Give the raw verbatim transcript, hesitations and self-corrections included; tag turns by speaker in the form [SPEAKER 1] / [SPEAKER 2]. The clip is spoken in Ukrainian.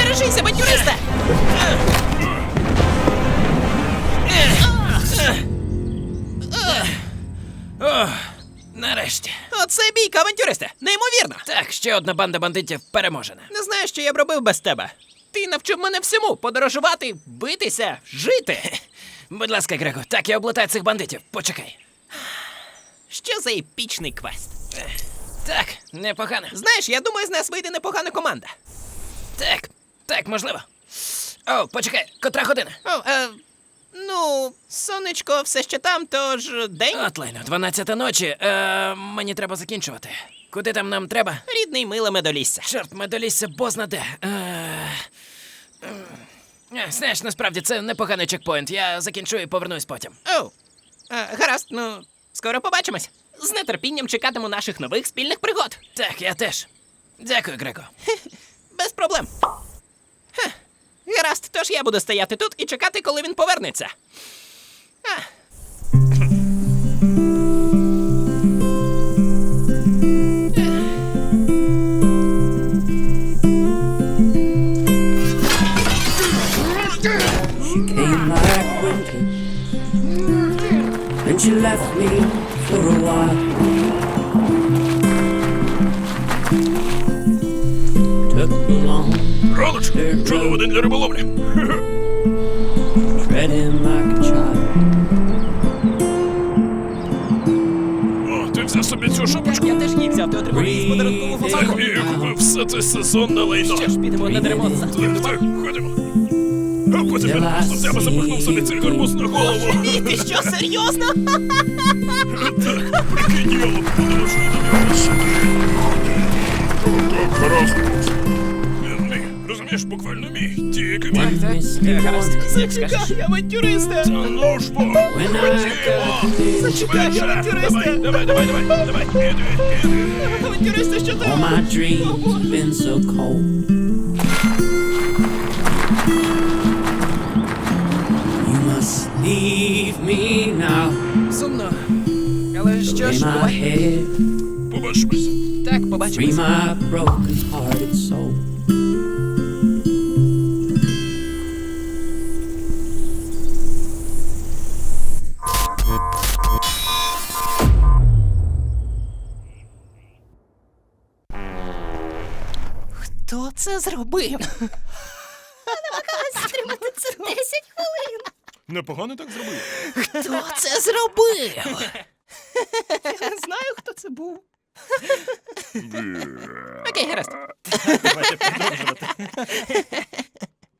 [SPEAKER 1] Бережися, авантюриста!
[SPEAKER 2] О, нарешті.
[SPEAKER 1] Оце бійка, авантюриста! Неймовірно!
[SPEAKER 2] Так, ще одна банда бандитів переможена.
[SPEAKER 1] Не знаю, що я б робив без тебе. Ти навчив мене всьому: подорожувати, битися, жити.
[SPEAKER 2] Будь ласка, Грего, так я облутаю цих бандитів. Почекай.
[SPEAKER 1] Що за епічний квест?
[SPEAKER 2] Так, непогано.
[SPEAKER 1] Знаєш, я думаю, з нас вийде непогана команда.
[SPEAKER 2] Так, так, можливо. О, почекай, котра година?
[SPEAKER 1] О, е, ну, сонечко все ще там, тож день.
[SPEAKER 2] От лайно, дванадцята ночі. Е, мені треба закінчувати. Куди там нам треба?
[SPEAKER 1] Рідний миле медолісся.
[SPEAKER 2] Чорт, медолісся бозна де. Е, е, знаєш, насправді це непоганий чекпоінт. Я закінчу і повернусь потім.
[SPEAKER 1] О, е, гаразд, ну, скоро побачимось. З нетерпінням чекатиму наших нових спільних пригод.
[SPEAKER 2] Так, я теж. Дякую, Грего.
[SPEAKER 1] Без проблем. Хе. Гаразд, тож я буду стояти тут і чекати, коли він повернеться. А.
[SPEAKER 3] She came like winter, and she left me for a while. Took me long,
[SPEAKER 4] Раночку, чудовий день для риболовлі.
[SPEAKER 3] treading like a child.
[SPEAKER 4] О, ти взяв собі цю шапочку?
[SPEAKER 1] Я теж її взяв, ти отримав її з подарункового
[SPEAKER 4] Так,
[SPEAKER 1] флакону.
[SPEAKER 4] і купив все це сезонне лайно.
[SPEAKER 1] Що ж, підемо на дерево за
[SPEAKER 4] Так, так, ходімо. А потім я просто в тебе запихнув собі цей гарбуз на голову.
[SPEAKER 1] Ні, ти що, серйозно?
[SPEAKER 4] Так, прикинь, я подорожую до нього. Так, гаразд. Він мій, розумієш, буквально мій, тільки мій.
[SPEAKER 3] Miss me
[SPEAKER 2] Гаразд,
[SPEAKER 3] once,
[SPEAKER 2] як скажеш.
[SPEAKER 1] Зачекай, авантюриста!
[SPEAKER 4] Та ну ж бо,
[SPEAKER 3] when I got
[SPEAKER 4] ходімо.
[SPEAKER 1] Зачекай,
[SPEAKER 4] Швидше,
[SPEAKER 1] авантюриста!
[SPEAKER 4] давай, давай, давай, давай, давай, іди, іди.
[SPEAKER 1] Авантюриста, що
[SPEAKER 3] all
[SPEAKER 1] там?
[SPEAKER 3] my dreams been so cold. You must leave me now.
[SPEAKER 2] Сумно. Але що
[SPEAKER 3] Lay
[SPEAKER 2] ж,
[SPEAKER 3] my
[SPEAKER 2] бувай.
[SPEAKER 3] head,
[SPEAKER 4] Побачимось.
[SPEAKER 2] Так,
[SPEAKER 3] free
[SPEAKER 2] побачимось.
[SPEAKER 3] my broken hearted soul.
[SPEAKER 1] Хто це зробив?
[SPEAKER 5] Стримати це десять хвилин.
[SPEAKER 4] Непогано так зробив.
[SPEAKER 1] Хто це зробив? Я знаю, хто це був. Окей, гаразд. Давайте продовжувати.